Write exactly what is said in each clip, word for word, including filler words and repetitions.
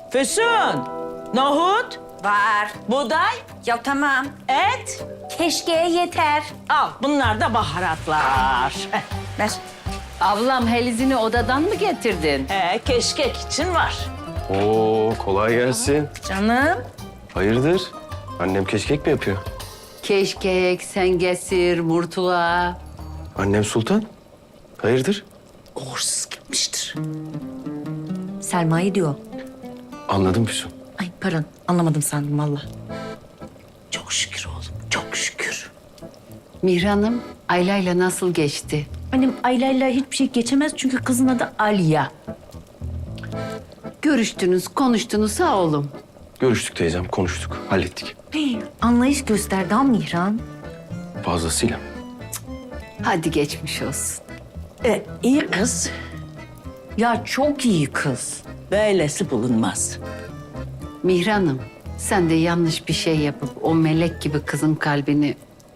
Füsun, nohut, Var. buğday, Ya tamam. et. Keşke yeter. Al bunlar da baharatlar. Ver. Ablam helizini odadan mı getirdin? He, keşkek için var. Oo, kolay gelsin. Canım. Hayırdır? Annem keşkek mi yapıyor? Keşkek, sengesir, murtula. Annem Sultan. Hayırdır? Uğursuz gitmiştir. Selma'yı diyor. Anladım Füsun. Ay pardon anlamadım sandım valla. Çok şükür oğlum, çok şükür. Mihran'ım, Ayla'yla nasıl geçti? Annem Ayla'yla hiçbir şey geçemez çünkü kızın adı Aliya. Görüştünüz, konuştunuz ha oğlum. Görüştük teyzem, konuştuk, hallettik. Hey, anlayış gösterdi ha Mihran. Fazlasıyla. Hadi geçmiş olsun. E, iyi kız. Ya çok iyi kız. Böylesi bulunmaz. Mihran'ım, sen de yanlış bir şey yapıp o melek gibi kızın kalbini...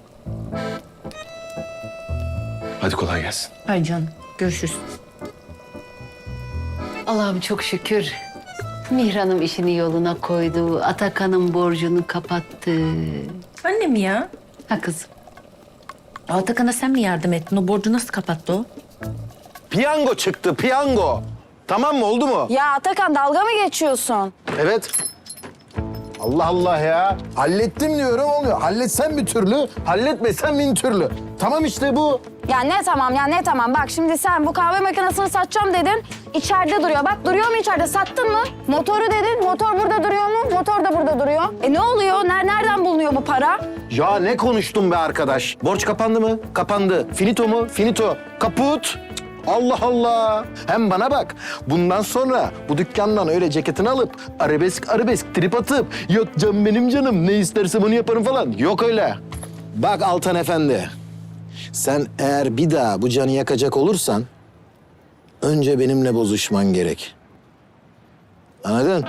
Hadi kolay gelsin. Ay canım görüşürüz. Allah'ım çok şükür. Mihran'ım işini yoluna koydu, Atakan'ın borcunu kapattı. Annem ya. Ha kızım. Atakan'a sen mi yardım ettin? O borcu nasıl kapattı o? Piyango çıktı, piyango. Tamam mı, oldu mu? Ya Atakan dalga mı geçiyorsun? Evet. Allah Allah ya. Hallettim diyorum, olmuyor. Halletsen bir türlü, halletmesen bin türlü. Tamam işte bu. Ya ne tamam ya ne tamam. Bak şimdi sen bu kahve makinesini satacağım dedin. İçeride duruyor. Bak duruyor mu içeride? Sattın mı? Motoru dedin. Motor burada duruyor mu? Motor da burada duruyor. E ne oluyor? Ner nereden bulunuyor bu para? Ya ne konuştun be arkadaş? Borç kapandı mı? Kapandı. Finito mu? Finito. Kaput. Cık, Allah Allah. Hem bana bak. Bundan sonra bu dükkandan öyle ceketini alıp arabesk arabesk trip atıp yok canım benim canım ne istersem onu yaparım falan. Yok öyle. Bak Altan Efendi. Sen eğer bir daha bu canı yakacak olursan önce benimle bozuşman gerek. Anladın?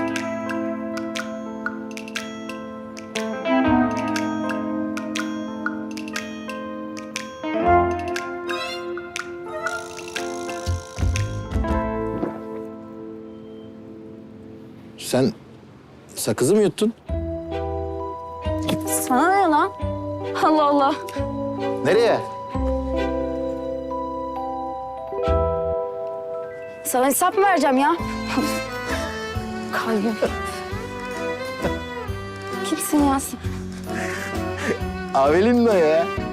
Sen sakızı mı yuttun? Sana ne lan? Allah Allah. Nereye? Sana hesap mı vereceğim ya? Kalbim. Kimsin ya sen? Avelin de ya.